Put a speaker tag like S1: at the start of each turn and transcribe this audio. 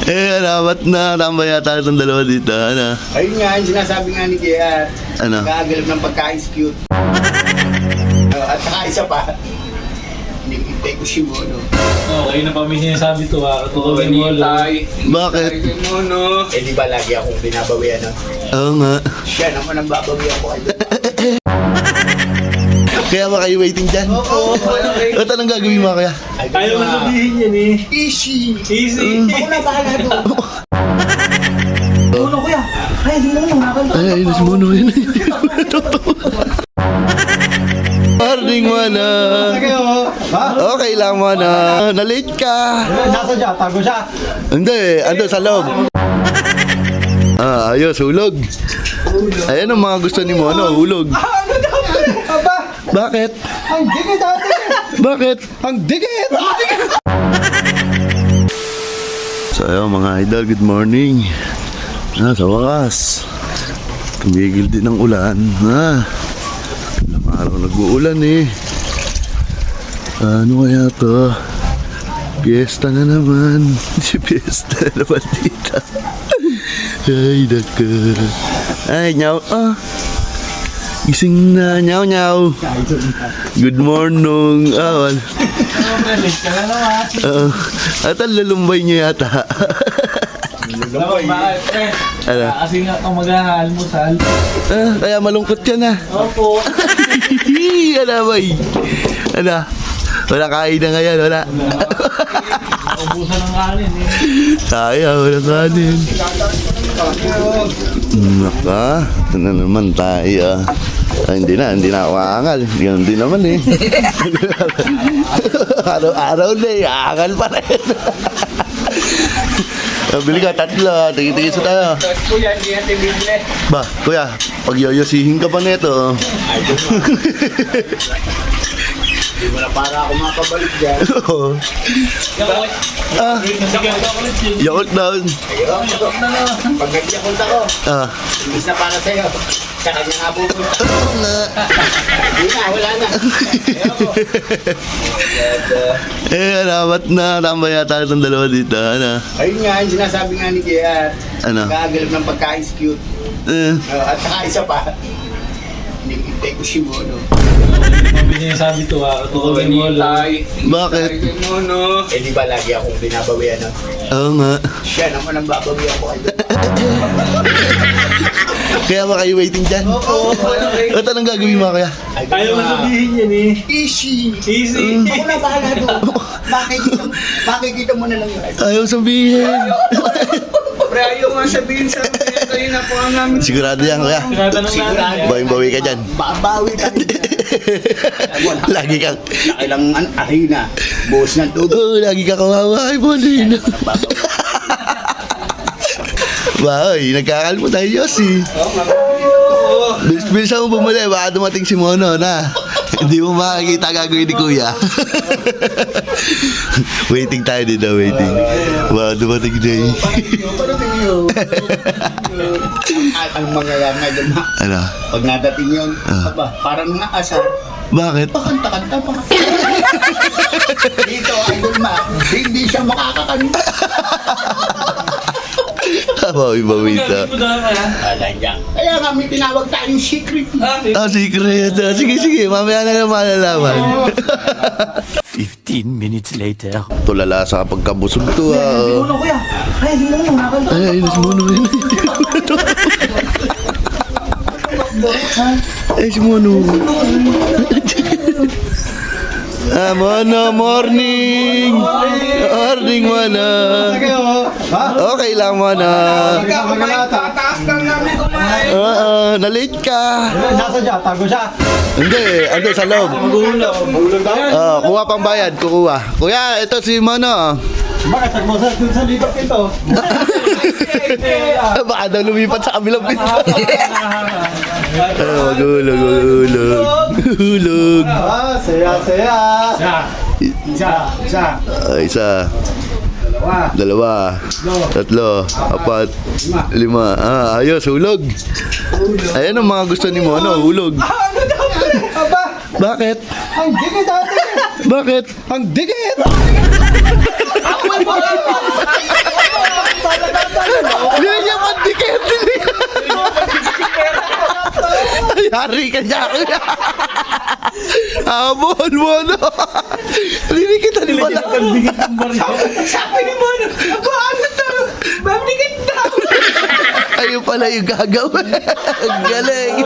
S1: Ba't na tambay yata itong dalawa dito, ano?
S2: Ayun nga, yung sinasabi nga ni JR.
S1: Ano?
S2: Nakagalap ng pagkain cute. At saka isa pa. Hinihintay ko si Mono.
S3: Okay na pa may sinasabi to ha. Tutulungin mo lang.
S1: Bakit?
S2: Mono. Eh di ba lagi akong binabawian no?
S1: Oo nga.
S2: Siya naman ang babawian ko.
S1: Kaya ba kayo waiting dyan?
S2: Oo.
S1: At anong gagawin mo kaya?
S3: Ayaw na sabihin yan eh.
S2: Easy.
S3: Easy.
S2: Ako na bahala doon.
S3: Uno kuya. Ay, di mo naman nakakanta.
S1: Ay, ayun si Mono. Morning, Mono. Okay lang, Mono. Na-late ka.
S2: Nasa siya, tago siya.
S1: Hindi, ando sa loob. Ayos, hulog. Ayan ang mga gusto ni Mono, hulog.
S2: Ano daw? Aba,
S1: Bakit?
S2: ang dikit dati.
S1: Bakit?
S2: Ang dikit.
S1: So ayun mga idol, good morning. Sa wakas, tumigil din ang ulan. Ilang araw nag-uulan eh. Ano kaya to? Piyesta na naman. Si piyesta na naman dito. Ay, naka. Ay, nyaw. Gising na, nyaw, nyaw. Good morning.
S3: Late ka na naman.
S1: At ang lalumbay niya yata.
S3: Bakit eh?
S1: Ano?
S3: Kasi nga kung mag-aalmusal.
S1: Kaya malungkot yan ah.
S3: Opo.
S1: Ano ba Ano? Wala kain na ngayon, wala.
S3: Ubusan ng kanin eh.
S1: Tayo, wala kanin. Naka, ito na naman tayo. Hindi na ako aangal. Ganun din naman eh. Araw-araw na eh, aangal pa rin. Bili ka, tatlo. Tingin-tingin sa tayo.
S2: Kuya, hindi natin bibili.
S1: Ba, kuya, pag yoyosihin ka pa nito.
S2: Ay, doon mo. Hindi mo na para ako makabalik dyan.
S1: Yakult down.
S2: Ayun, pag nag-yakult ako, imbis na para sa'yo, sa kanya nga pupunta. Hindi na, wala na.
S1: Ba't na tambay yata itong dalawa dito, ano?
S2: Ayun nga, yung sinasabi nga ni JR.
S1: Ano?
S2: Nakagalap ng pagkain cute. At saka isa pa. Hinihintay ko si Mono.
S3: May sinasabi to ha. Tutulungin mo lang.
S1: Bakit?
S2: Mono. Eh di ba lagi akong binabawian no?
S1: Oo nga.
S2: Siya naman ang babawian ko.
S1: Kaya ba kayo waiting dyan?
S2: Oo.
S1: At anong gagawin mo kaya?
S3: Ayaw na sabihin yan eh.
S2: Easy.
S3: Easy.
S2: Ako na bahala doon. Makikita mo na lang yun.
S1: Ayaw sabihin.
S2: Pre, ayaw nga sabihin sa akin. Kayo na po ang namin.
S1: Sigurado yan kuya.
S3: Tinatanong natin yan.
S1: Bawing-bawi ka dyan.
S2: Babawi tayo.
S1: Lagi kang...
S2: Kailangan arena. Buhos ng tubig.
S1: Lagi ka kawawa. Ay, Bolin. Bahoy, nagkakalmo tayo, Yossi. Bilis mo bumuli, baka dumating si Mono na. Hindi mo makakita gagawin ni Kuya. Waiting tayo dito, waiting. Baka dumating na eh.
S2: Ang mangyayari nga dyan,
S1: Ano?
S2: pag nadating yun, aba, parang naasar.
S1: Bakit?
S2: Pakanta-kanta pa. Dito, idol ma, hindi siya makakakanta.
S1: Bawi-bawi ito.
S2: Wala dyan. Kaya nga may tinawag tayong secret.
S1: Secret. Sige, mamaya na lang malalaman.
S4: 15 minutes later.
S1: Tulala sa pagkabusog to
S3: Uno kuya. Ay, di mo naman nakakanta.
S1: Ay, ayun si Mono. Ay, si Mono. Mono, morning! Morning, Mono. Okay lang, Mono.
S2: Taas lang namin kumain.
S1: Na-late ka.
S2: Nasa siya, tago siya.
S1: Hindi, ando sa loob. Kuha pang bayad, kukuha. Kuya, ito si Mono.
S2: Bakit nagmasas dun sa lipat ito?
S1: Baka daw lumipat sa kabilang pinto. Hulog.
S2: Saya. Isa.
S1: Isa. Dalawa. Tatlo. Apat. Lima. Ayos, hulog. Ayan ang mga gusto ni Mono, hulog.
S2: Ano daw? Aba,
S1: Bakit?
S2: ang dikit dati.
S1: Bakit?
S2: Ang dikit.
S1: Yari ka dyan. Habol mo, no? Linikitan mo na.
S2: Sabi ni Mono, paano to? Mabigit na!
S1: Ayun pala yung gagawin. Ang galing.